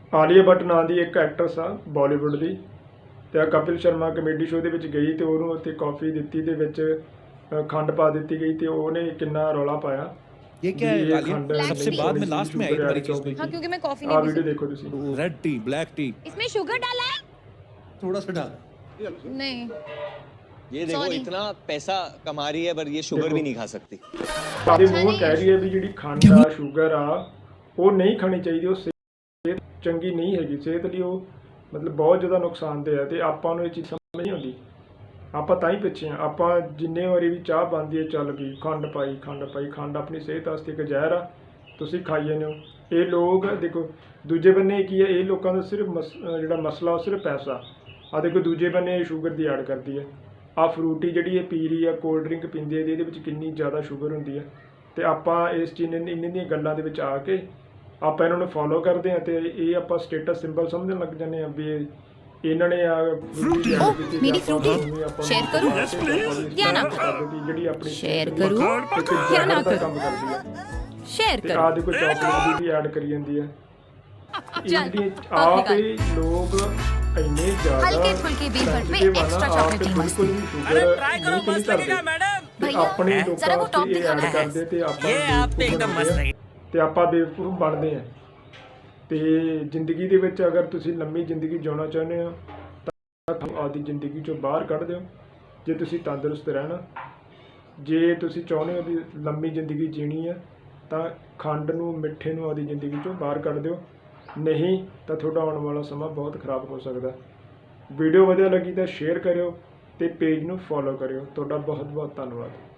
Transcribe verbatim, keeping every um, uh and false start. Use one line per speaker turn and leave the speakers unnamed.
ਆਲੀਆ ਭੱਟ ਨਾਂ ਦੀ ਇੱਕ ਐਕਟਰਸ ਆ ਬਾਲੀਵੁੱਡ ਦੀ, ਤੇ ਕपिल शर्मा कमेडी शो ਦੇ ਵਿੱਚ ਗਈ ਤੇ ਉਹਨੂੰ ਉੱਥੇ ਕਾਫੀ ਦਿੱਤੀ ਤੇ ਵਿੱਚ खंड पा दी गई तो उन्हें कितना रौला पाया।
ये क्या है आलिया? सबसे बाद में लास्ट में आई तुम्हारी चीज में।
हाँ, क्योंकि मैं कॉफी नहीं पी
वीडियो देखो तुसी।
रेड टी, ब्लैक टी,
इसमें शुगर डाला है?
थोड़ा सा डाल।
नहीं,
ये देखो इतना पैसा कमा रही है पर ये शुगर भी नहीं खा सकती।
सारे मुंह कह रही है भी ਜਿਹੜੀ ਖੰਡ ਆ ਸ਼ੂਗਰ ਆ ਉਹ ਨਹੀਂ ਖਾਣੀ ਚਾਹੀਦੀ, ਉਹ ਸਿਹਤ ਚੰਗੀ ਨਹੀਂ ਹੈਗੀ, ਸਿਹਤ ਲਈ ਉਹ ਮਤਲਬ ਬਹੁਤ ਜ਼ਿਆਦਾ ਨੁਕਸਾਨਦੇਹ ਹੈ ਤੇ ਆਪਾਂ ਨੂੰ ਇਹ ਚੀਜ਼ ਸਮਝ ਨਹੀਂ ਆਉਂਦੀ। ਆਪਾਂ ਤਾਂ ਹੀ ਪਿੱਛੇ ਆ, ਆਪਾਂ ਜਿੰਨੇ ਵਾਰੀ ਵੀ ਚਾਹ ਬਣਦੀ ਹੈ ਚੱਲ ਵੀ ਖੰਡ ਪਾਈ ਖੰਡ ਪਾਈ ਖੰਡ ਆਪਣੀ ਸਿਹਤ ਵਾਸਤੇ ਇੱਕ ਜ਼ਹਿਰ ਆ, ਤੁਸੀਂ ਖਾਈ ਜਾਂਦੇ ਹੋ। ਇਹ ਲੋਕ ਦੇਖੋ ਦੂਜੇ ਬੰਨੇ ਕੀ ਹੈ, ਇਹ ਲੋਕਾਂ ਦਾ ਸਿਰਫ ਮਸ ਜਿਹੜਾ ਮਸਲਾ ਉਹ ਸਿਰਫ ਪੈਸਾ ਆ। ਦੇਖੋ ਦੂਜੇ ਬੰਨੇ ਸ਼ੂਗਰ ਦੀ ਐਡ ਕਰਦੀ ਹੈ, ਆ ਫਰੂਟੀ ਜਿਹੜੀ ਇਹ ਪੀ ਰਹੀ ਆ, ਕੋਲਡ ਡਰਿੰਕ ਪੀਂਦੀ ਹੈ, ਇਹਦੇ ਵਿੱਚ ਕਿੰਨੀ ਜ਼ਿਆਦਾ ਸ਼ੂਗਰ ਹੁੰਦੀ ਹੈ। ਤੇ ਆਪਾਂ ਇਸ ਚੀਜ਼ ਨੇ ਇਹਨਾਂ ਦੀਆਂ ਗੱਲਾਂ ਦੇ ਵਿੱਚ ਆ ਕੇ ਆਪਾਂ ਇਹਨਾਂ ਨੂੰ ਫੋਲੋ ਕਰਦੇ ਹਾਂ ਤੇ ਇਹ ਆਪਾਂ ਸਟੇਟਸ ਸਿੰਬਲ ਸਮਝਣ ਲੱਗ ਜਾਂਦੇ ਹਾਂ ਵੀ ਇਹਨਾਂ ਨੇ ਆ
फ्रूटी ओ मेरी फ्रूटी शेयर करूं या ना
ਜਿਹੜੀ ਆਪਣੀ
शेयर करूं या ना
ਕੰਮ ਕਰਦੀ ਹੈ
शेयर
ਤੇ
करूं।
ਆ ਦੇਖੋ ਚਾਕਲੇਟ ਵੀ ਐਡ ਕਰੀ ਜਾਂਦੀ ਹੈ। ਇਹਦੀ ਆਪ ਹੀ ਲੋਕ ਇੰਨੇ ਜ਼ਿਆਦਾ
हल्के फुल्के वेफर में एक्स्ट्रा चॉकलेटी मस्त।
अरे ट्राई करो, मस्त लगेगा मैडम।
भैया जरा वो टॉप दिखाना है।
ਕਰਦੇ ਤੇ ਆਪਾਂ ਇਹ ਆਪ ਤੇ एकदम मस्त है ਤੇ ਆਪਾਂ ਬੇਵਕੂਫ ਬਣਦੇ ਆ। ਤੇ ਜ਼ਿੰਦਗੀ ਦੇ ਵਿੱਚ ਅਗਰ ਤੁਸੀਂ ਲੰਮੀ ਜ਼ਿੰਦਗੀ ਜਿਉਣਾ ਚਾਹੁੰਦੇ ਹੋ ਤਾਂ ਆਦੀ ਜ਼ਿੰਦਗੀ ਚੋਂ ਬਾਹਰ ਕੱਢ ਦਿਓ। ਜੇ ਤੁਸੀਂ ਤੰਦਰੁਸਤ ਰਹਿਣਾ, ਜੇ ਤੁਸੀਂ ਚਾਹੁੰਦੇ ਹੋ ਵੀ ਲੰਮੀ ਜ਼ਿੰਦਗੀ ਜੀਣੀ ਹੈ ਤਾਂ ਖੰਡ ਨੂੰ ਮਿੱਠੇ ਨੂੰ ਆਦੀ ਜ਼ਿੰਦਗੀ ਚੋਂ ਬਾਹਰ ਕੱਢ ਦਿਓ, ਨਹੀਂ ਤਾਂ ਤੁਹਾਡਾ ਆਉਣ ਵਾਲਾ ਸਮਾਂ ਬਹੁਤ ਖਰਾਬ ਹੋ ਸਕਦਾ। ਵੀਡੀਓ ਵਧੀਆ ਲੱਗੀ ਤਾਂ ਸ਼ੇਅਰ ਕਰਿਓ ਤੇ ਪੇਜ ਨੂੰ ਫੋਲੋ ਕਰਿਓ। ਤੁਹਾਡਾ ਬਹੁਤ ਬਹੁਤ ਧੰਨਵਾਦ।